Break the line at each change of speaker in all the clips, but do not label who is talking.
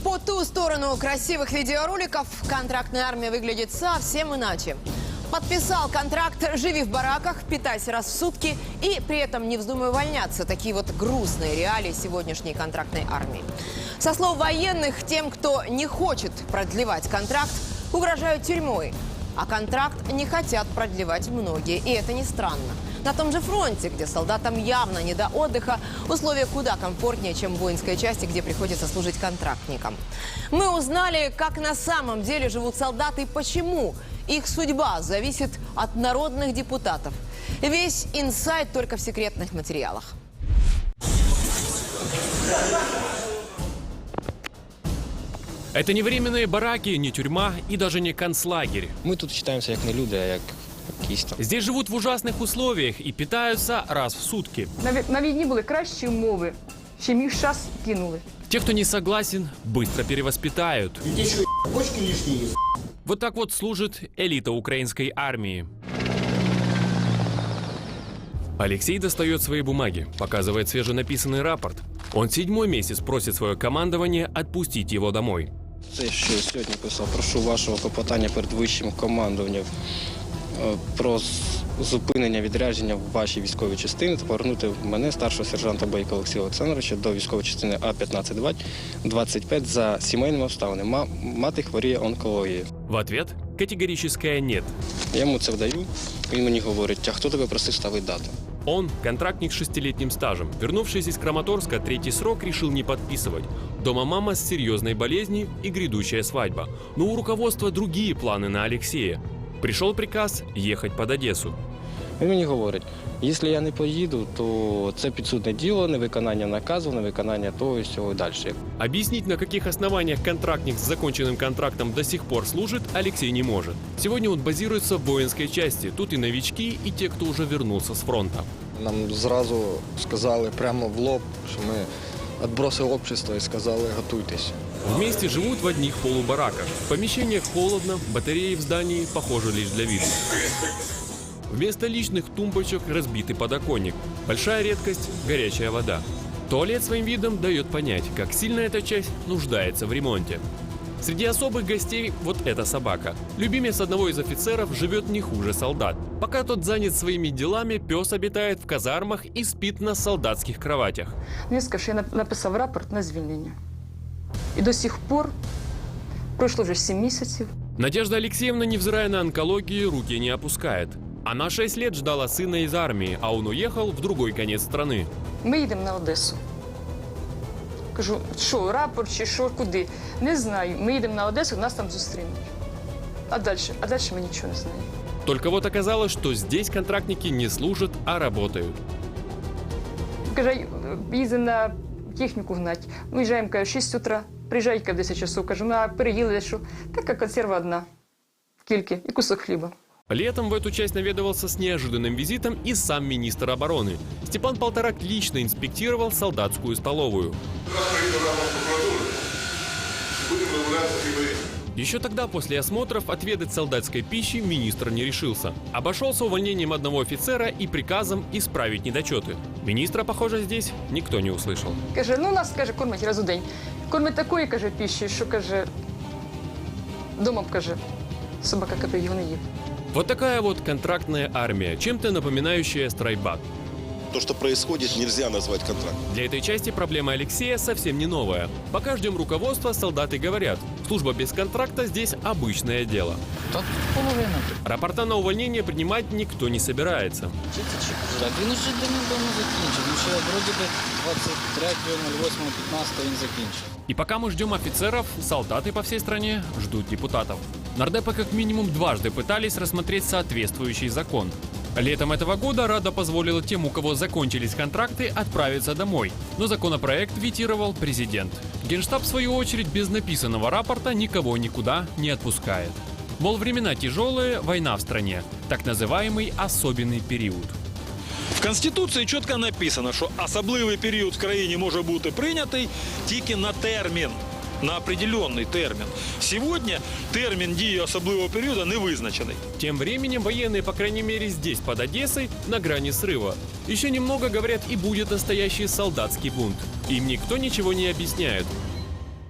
По ту сторону красивых видеороликов контрактная армия выглядит совсем иначе. Подписал контракт «Живи в бараках, питайся раз в сутки» и при этом не вздумай увольняться. Такие вот грустные реалии сегодняшней контрактной армии. Со слов военных, тем, кто не хочет продлевать контракт, угрожают тюрьмой. А контракт не хотят продлевать многие. И это не странно. На том же фронте, где солдатам явно не до отдыха, условия куда комфортнее, чем в воинской части, где приходится служить контрактникам. Мы узнали, как на самом деле живут солдаты и почему их судьба зависит от народных депутатов. Весь инсайт только в секретных материалах.
Это не временные бараки, не тюрьма и даже не концлагерь.
Ми тут вважаємося як не люди, а як якісь там.
Здесь живут в ужасных условиях и питаются раз в сутки.
На війні були кращі умови, чим їх зараз кинули.
Те, кто не согласен, быстро перевоспитают.
Где что, почки лишние?
Вот так вот служит элита украинской армии. Алексей достает свои бумаги, показывает свеженаписанный рапорт. Он 7-й месяц просит свое командование отпустить его домой.
Це що я сьогодні писав. Прошу вашого клопотання перед вищим командуванням про зупинення відрядження в вашій військовій частині та повернути мене, старшого сержанта Бойка Олексія Олександровича, до військової частини А-15-25 за сімейними обставинами. Мати хворіє онкологією.
В ответ категорическое «нет».
Я йому це вдаю, він мені говорить, а хто тебе просив ставити дату?
Он, контрактник с 6-летним стажем, вернувшись из Краматорска, 3-й срок решил не подписывать. Дома мама с серьезной болезнью и грядущая свадьба. Но у руководства другие планы на Алексея. Пришел приказ ехать под Одессу.
Він мені говорить, якщо я не поїду, то це підсудне діло, невиконання наказу, невиконання того і всього далі.
Объяснить, на каких основаниях контрактник с законченным контрактом до сих пор служит, Алексей не может. Сегодня он базируется в воинской части. Тут и новички, и те, кто уже вернулся с фронта.
Нам зразу сказали прямо в лоб, що ми відбросили общество і сказали готуйтесь.
Вместе живут в одних полубараках. В помещениях холодно, батареи в здании похожи лишь для вида. Вместо личных тумбочек разбитый подоконник. Большая редкость – горячая вода. Туалет своим видом дает понять, как сильно эта часть нуждается в ремонте. Среди особых гостей вот эта собака. Любимец одного из офицеров живет не хуже солдат. Пока тот занят своими делами, пес обитает в казармах и спит на солдатских кроватях.
Він сказав, що я написав рапорт на звільнення. І до сих пор пройшло вже 7 місяців.
Надежда Алексеевна, невзирая на онкологию, руки не опускает. Она 6 лет ждала сына из армии, а он уехал в другой конец страны.
Ми їдемо на Одесу. Кажу, що, рапорт чи що, куди? Не знаю. Ми їдемо на Одесу, нас там зустрінуть. А далі ми нічого не знаємо.
Только вот оказалось, что здесь контрактники не служат, а работают.
Каже, їздимо на техніку гнать. Виїжджаємо, каже, 6 утра. Приїжджають, каже, в 10 часов. Кажу, ну, а переїли, що? Така консерва одна. Кільки. І кусок хліба.
Летом в эту часть наведывался с неожиданным визитом и сам министр обороны. Степан Полторак лично инспектировал солдатскую столовую. Еще тогда, после осмотров, отведать солдатской пищи министр не решился. Обошелся увольнением одного офицера и приказом исправить недочеты. Министра, похоже, здесь никто не услышал.
Каже, ну нас, каже, кормять раз у день. Кормять такої, каже, пищі, що, каже, дома, каже, собака капе його не їв.
Вот такая вот контрактная армия, чем-то напоминающая страйкбат.
То, что происходит, нельзя назвать контрактом.
Для этой части проблема Алексея совсем не новая. Пока ждем руководства, солдаты говорят, служба без контракта здесь обычное дело.
Та половина.
Рапорта на увольнение принимать никто не собирается.
Так він уже давно закінчив. Він ще вроді би 23.08.15 він закінчив.
И пока мы ждем офицеров, солдаты по всей стране ждут депутатов. Нардепы как минимум дважды пытались рассмотреть соответствующий закон. Летом этого года Рада позволила тем, у кого закончились контракты, отправиться домой. Но законопроект ветировал президент. Генштаб, в свою очередь, без написанного рапорта никого никуда не отпускает. Мол, времена тяжелые, война в стране. Так называемый особенный период.
В Конституції чітко написано, що особливий період в країні може бути прийнятий тільки на термін, на определенный термин. Сегодня термин дії особливого периода не визначений.
Тем временем военные, по крайней мере здесь, под Одессой, на грани срыва. Еще немного, говорят, и будет настоящий солдатский бунт. Им никто ничего не объясняет.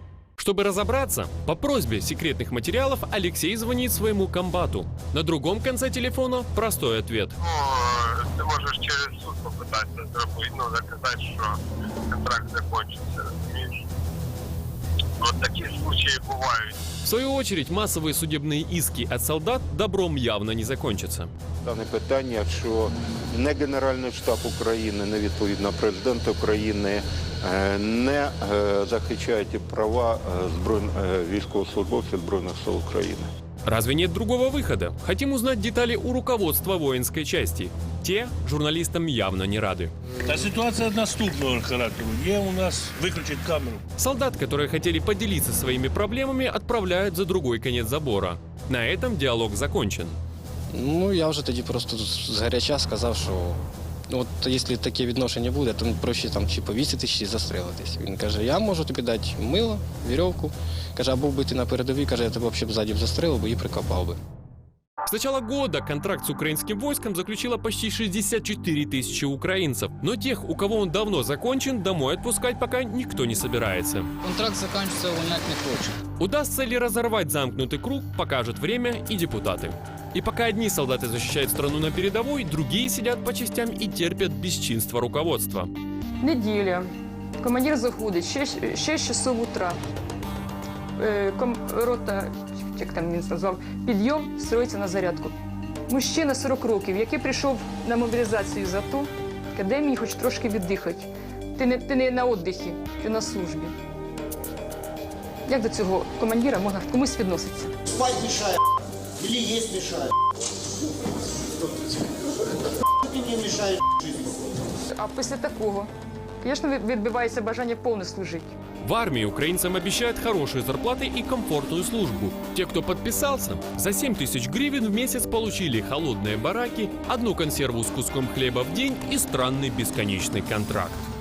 Чтобы разобраться, по просьбе секретных материалов Алексей звонит своему комбату. На другом конце телефона простой ответ.
Ты можешь через суд попытаться зробити, доказать, что контракт закончится, розумієш? Вот такие случаи бывают.
В свою очередь, массовые судебные иски от солдат добром явно не закончатся.
Дане питання, що не Генеральний штаб України, не відповідно президент України не захищають права військовослужбовців Збройних сил України.
Разве нет другого выхода? Хотим узнать детали у руководства воинской части. Те журналистам явно не рады.
Та ситуация наступного характеру. Где у нас выключить камеру?
Солдат, которые хотели поделиться своими проблемами, отправляют за другой конец забора. На этом диалог закончен.
Ну, я вже тоді просто згаряча сказав, що от якщо таке відношення буде, то проще там чи повіситись, чи застрелитись. Він каже, я можу тобі дати мило, вірьовку. Каже, а був би ти на передовій, каже, я тебе взагалі ззаді застрелив би і прикопав би.
С начала года контракт с украинским войском заключило почти 64 тысячи украинцев. Но тех, у кого он давно закончен, домой отпускать пока никто не собирается.
Контракт заканчивается, увольнять не хочет.
Удастся ли разорвать замкнутый круг, покажет время и депутаты. И пока одни солдаты защищают страну на передовой, другие сидят по частям и терпят бесчинство руководства.
Неділя. Командир заходить, 6 часов утра. Рота, як там він сказав, підйом, строїться на зарядку. Мужчина 40 років, який прийшов на мобілізацію за то, дай мені хоч трошки віддихати. Ти не на віддихі, ти на службі. Як до цього командира можна комусь відноситися?
Спать мешает. Или есть мешает. Ты мне мешаешь жизнь.
А після такого, звісно, відбивається бажання повно служити.
В армии украинцам обещают хорошие зарплаты и комфортную службу. Те, кто подписался, за 7 тысяч гривен в месяц получили холодные бараки, одну консерву с куском хлеба в день и странный бесконечный контракт.